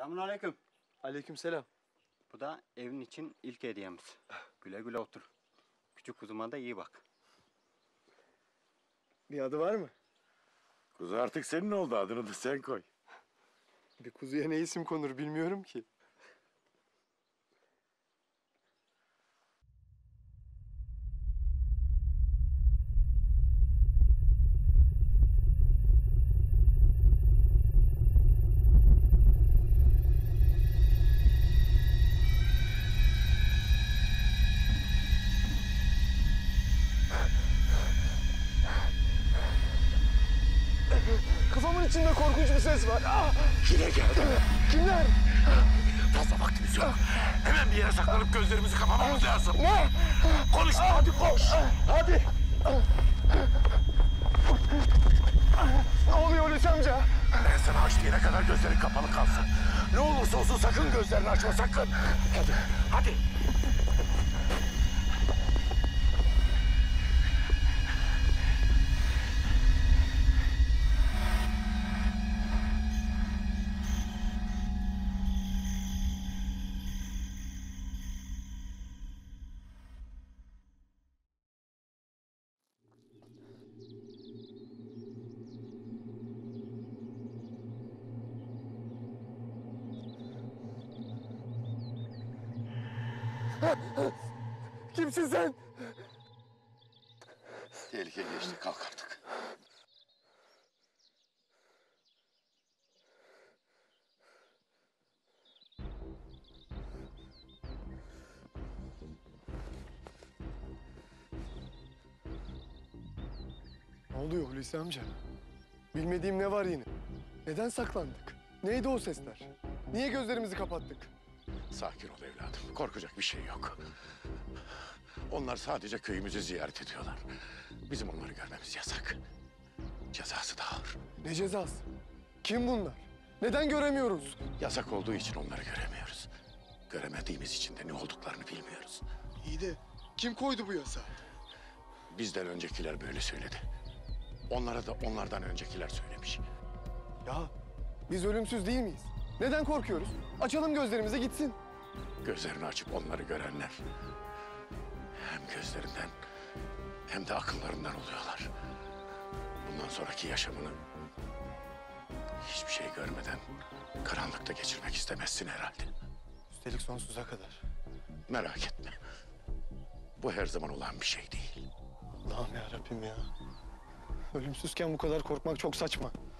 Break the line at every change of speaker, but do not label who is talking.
Selamünaleyküm.
Aleykümselam.
Bu da evin için ilk hediyemiz. Güle güle otur. Küçük kuzuma da iyi bak.
Bir adı var mı?
Kuzu artık senin oldu, adını da sen koy.
Bir kuzuya ne isim konur bilmiyorum ki. Kafamın içinde korkunç bir ses var. Ah!
Yine geldi.
Kimler?
Fazla vaktimiz yok. Hemen bir yere saklanıp gözlerimizi kapamamız lazım.
Ne?
Konuşma, hadi koş.
Hadi. Ne oluyor Hulusi amca?
Ben sana aç diyene kadar gözlerin kapalı kalsın. Ne olursa olsun sakın gözlerini açma, sakın. Hadi, hadi.
Kimsin sen?
Tehlike geçti, kalk artık.
Ne oluyor Hulusi amca? Bilmediğim ne var yine? Neden saklandık? Neydi o sesler? Niye gözlerimizi kapattık?
Sakin ol evladım, korkacak bir şey yok. Onlar sadece köyümüzü ziyaret ediyorlar. Bizim onları görmemiz yasak. Cezası da ağır.
Ne cezası? Kim bunlar? Neden göremiyoruz?
Yasak olduğu için onları göremiyoruz. Göremediğimiz için de ne olduklarını bilmiyoruz.
İyi de kim koydu bu yasağı?
Bizden öncekiler böyle söyledi. Onlara da onlardan öncekiler söylemiş.
Ya biz ölümsüz değil miyiz? Neden korkuyoruz? Açalım gözlerimizi gitsin.
Gözlerini açıp onları görenler hem gözlerinden hem de akıllarından oluyorlar. Bundan sonraki yaşamını hiçbir şey görmeden karanlıkta geçirmek istemezsin herhalde.
Üstelik sonsuza kadar.
Merak etme. Bu her zaman olan bir şey değil.
Allah'ım ya Rabbim ya. Ölümsüzken bu kadar korkmak çok saçma.